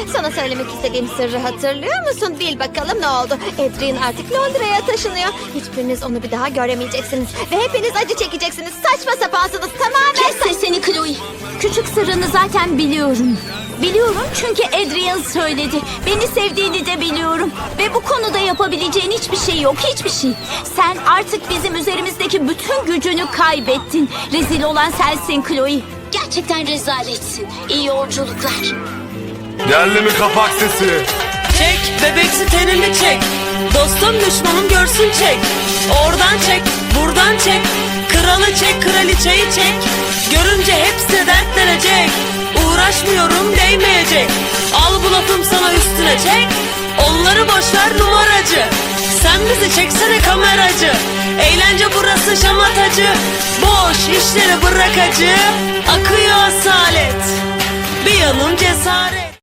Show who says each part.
Speaker 1: Sana söylemek istediğim sırrı hatırlıyor musun? Bil bakalım ne oldu? Adrian artık Londra'ya taşınıyor. Hiçbiriniz onu bir daha göremeyeceksiniz. Ve hepiniz acı çekeceksiniz. Saçma sapansınız tamamen.
Speaker 2: Kes sesini Chloe. Küçük sırrını zaten biliyorum. Biliyorum çünkü Adrian söyledi. Beni sevdiğini de biliyorum. Ve bu konuda yapabileceğin hiçbir şey yok, hiçbir şey. Sen artık bizim üzerimizdeki bütün gücünü kaybettin. Rezil olan sensin Chloe. Gerçekten rezaletsin. İyi yolculuklar.
Speaker 3: Geldi mi kapak sesi?
Speaker 4: Çek bebeksi tenini çek. Dostum düşmanım görsün çek. Oradan çek, buradan çek. Kralı çek, kraliçeyi çek. Görünce hepsi dertlenecek. Uğraşmıyorum değmeyecek. Al bu lafım sana üstüne çek. Onları boşver numaracı. Sen bizi çeksene kameracı. Eğlence burası şamatacı. Boş işleri bırak acı. Akıyor asalet. Bir yanım cesaret.